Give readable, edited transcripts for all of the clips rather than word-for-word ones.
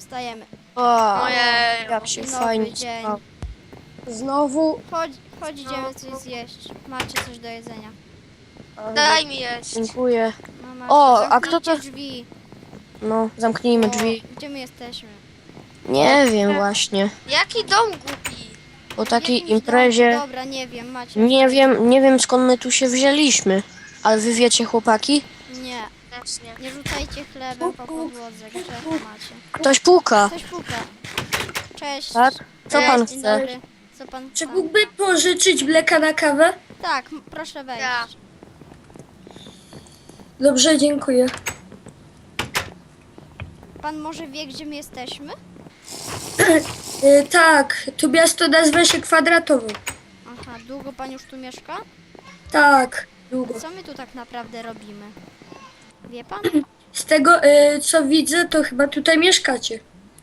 Wstajemy. O, Ojej. jak się Nowy fajnie dzień. spało. Znowu. Chodź, idziemy coś zjeść. Macie coś do jedzenia. Daj mi jeść. Dziękuję. No, macie. O, a kto to... Zamknijcie drzwi. No, zamknijmy O, drzwi. Gdzie my jesteśmy? Nie wiem właśnie. Jaki dom głupi? Po W takiej jakimś imprezie... domu. Dobra, nie wiem, macie. Nie wiem skąd my tu się wzięliśmy. Ale wy wiecie, chłopaki? Nie, Też nie. nie rzucajcie chlebem po podłodze. Grzech macie. Ktoś puka. Ktoś puka. Cześć. Tak? Co pan Dzień chce? dobry. Co pan Czy chce? mógłby pożyczyć mleka na kawę? Tak, proszę wejść. Ja. Dobrze, dziękuję. Pan może wie, gdzie my jesteśmy? Tak, to miasto nazywa się Kwadratowo. Aha, długo pan już tu mieszka? Tak, długo. Co my tu tak naprawdę robimy? Wie pan? Z tego, co widzę, to chyba tutaj mieszkacie.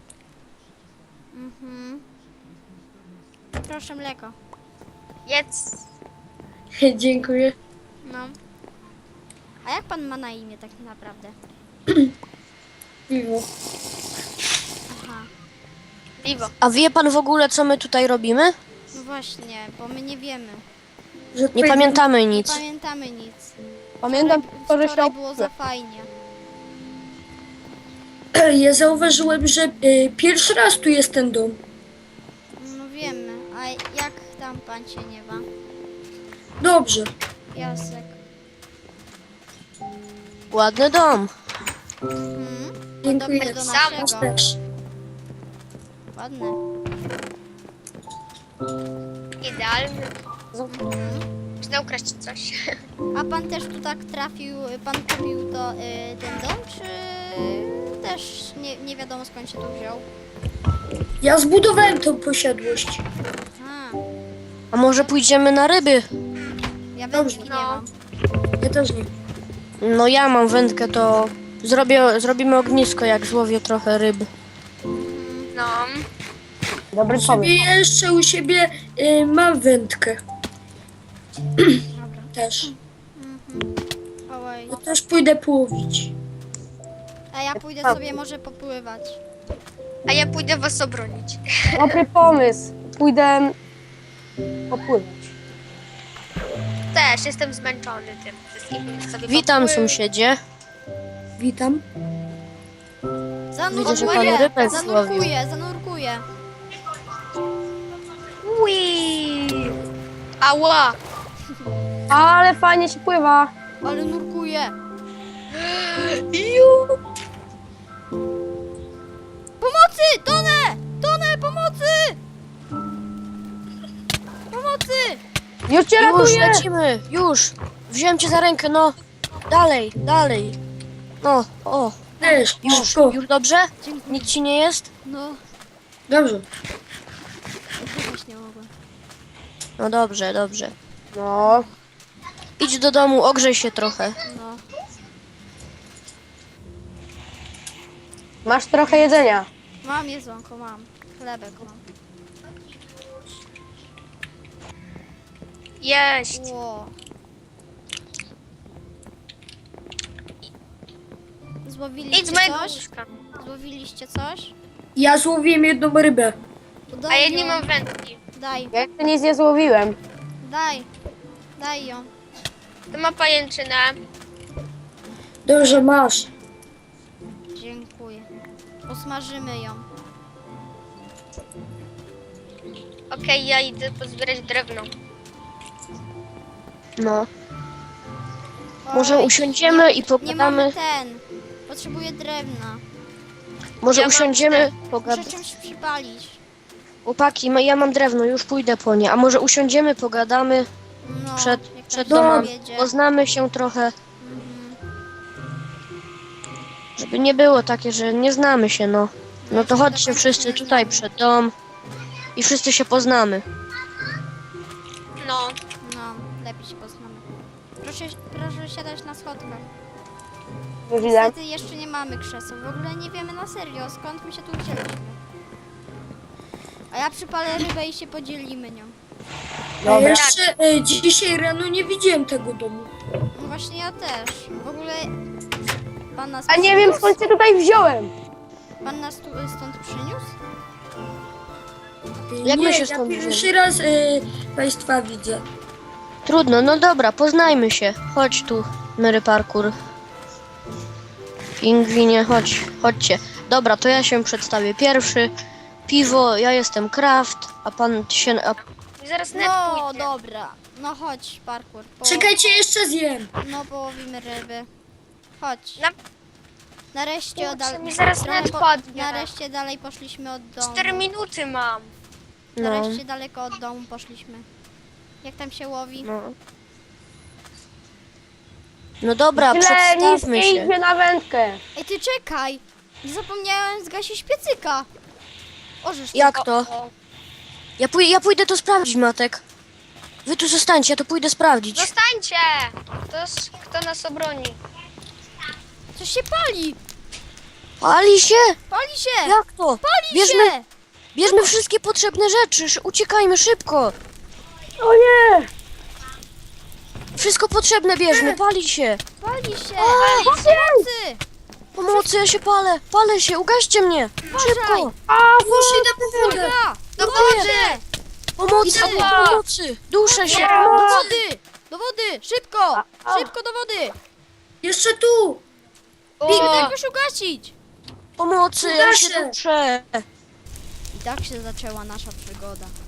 Mhm. Proszę mleko. Jedz. Dziękuję. No. A jak pan ma na imię tak naprawdę? Miło. Aha. Piwo. A wie pan w ogóle, co my tutaj robimy? No właśnie, bo my nie wiemy. Że Nie pamiętamy Nie nic. pamiętamy nic. Pamiętam, Wczoraj było za fajnie. Ja zauważyłem, że pierwszy raz tu jest ten dom. No wiemy. A jak tam pan się nie ma? Dobrze. Piasek. Ładny dom. Mhm. Dziękuję. Podobny do Sam naszego. Też. Ładny. Idealny. Mhm. Można ukraść coś. A pan też tu tak trafił, pan kupił to, ten dom, czy też nie wiadomo skąd się tu wziął? Ja zbudowałem tą posiadłość. A, A może pójdziemy na ryby? ja Dobrze. wędki nie No. mam. Ja też nie. No ja mam wędkę, to zrobimy ognisko, jak złowię trochę ryb. No. Dobry Sobie jeszcze u siebie mam wędkę. Dobra. Też. Mhm. Oj. Ja też pójdę połowić. A ja pójdę sobie może popływać. A ja pójdę was obronić. Dobry pomysł. Pójdę popływać. Też jestem zmęczony tym wszystkim. więc sobie Witam popływam. sąsiedzie. Witam. Widzę, że pan Zanurkuję, rybę złowił. zanurkuję. Ui. Ała. Ale fajnie się pływa. Ale nurkuję. Ju. Pomocy! Tonę! Tonę! Pomocy! Pomocy! Już cię Już ratuję. lecimy, już. Wziąłem cię za rękę, no. Dalej. No, o, Też. już dobrze? Dziękuję. Nic ci nie jest? No, Dobrze. oddychać nie mogłem. No dobrze. No. Idź do domu, ogrzej się trochę. No. Masz trochę jedzenia. Mam jedzonko, mam. Chlebek mam. Jeść. Ło. Idź Złowiliście z mojego coś? łóżka. Złowiliście coś? Ja złowiłem jedną rybę. To A ja daj nie ją. mam wędki. Daj, Ja jeszcze nic nie złowiłem. daj ją. To ma pajęczynę. Dobrze, masz. Dziękuję. Posmażymy ją. Okej, ja idę pozbierać drewno. No. Może Oj, usiądziemy i nie pogadamy. mamy ten. Potrzebuję drewna. Może Ja mam usiądziemy, Muszę pogadamy. czymś przypalić. Chłopaki, ja mam drewno, już pójdę po nie. A może usiądziemy, pogadamy No, przed jak tam domem. jedzie. Poznamy się trochę, Mhm. żeby nie było takie, że nie znamy się, no. No to chodźcie Tak, wszyscy nie tutaj znamy. przed dom i wszyscy się poznamy. No. No, lepiej się poznamy. Proszę siadać na schodkach. Już idę. Niestety jeszcze nie mamy krzeseł. W ogóle nie wiemy na serio, skąd my się tu wzięliśmy. A ja przypalę rybę i się podzielimy nią. A Dobra. jeszcze dzisiaj rano nie widziałem tego domu. No właśnie ja też. W ogóle pan nas A nie wiem przyniósł? skąd cię tutaj wziąłem. Pan nas tu stąd przyniósł? Jak nie, my się ja stąd pierwszy raz państwa widzę. Trudno, no dobra, poznajmy się. Chodź tu, Mary Parkour. Pingwinie, chodźcie. Dobra, to ja się przedstawię pierwszy. Piwo, ja jestem Kraft, a pan się... I zaraz net No pójdzie. dobra. No chodź, parkour. Czekajcie, jeszcze zjem. No połowimy ryby. Chodź. Na- Nareszcie Kurczę, dalej. mi zaraz net padnie. Nareszcie dalej poszliśmy od domu. 4 minuty mam. No, Nareszcie daleko od domu poszliśmy. Jak tam się łowi? no dobra, Tyle przedstawmy nic się. idzie na wędkę. Ej, ty czekaj! Zapomniałem zgasić piecyka. Ożeż ty. Jak to? Ja pójdę to sprawdzić, Matek. Wy tu zostańcie, ja to pójdę sprawdzić. Zostańcie! Kto nas obroni? Coś się pali! Pali się? Pali się! Jak to? Pali Bierzmy, się! bierzmy wszystkie potrzebne rzeczy, uciekajmy szybko. O nie! Wszystko potrzebne bierzmy, pali się. Pali się! Palicie! Pomocy, ja się palę się, ugaście mnie. Szybko. Muszę idę po wodę. Dobra! Do Dobrze! Pomocy, Idę. pomocy. Duszę się. Do wody! Do wody! Szybko! Szybko do wody! Jeszcze tu. Musimy to O, jakoś ugasić! Pomocy, ja się Duszę. duszę. I tak się zaczęła nasza przygoda.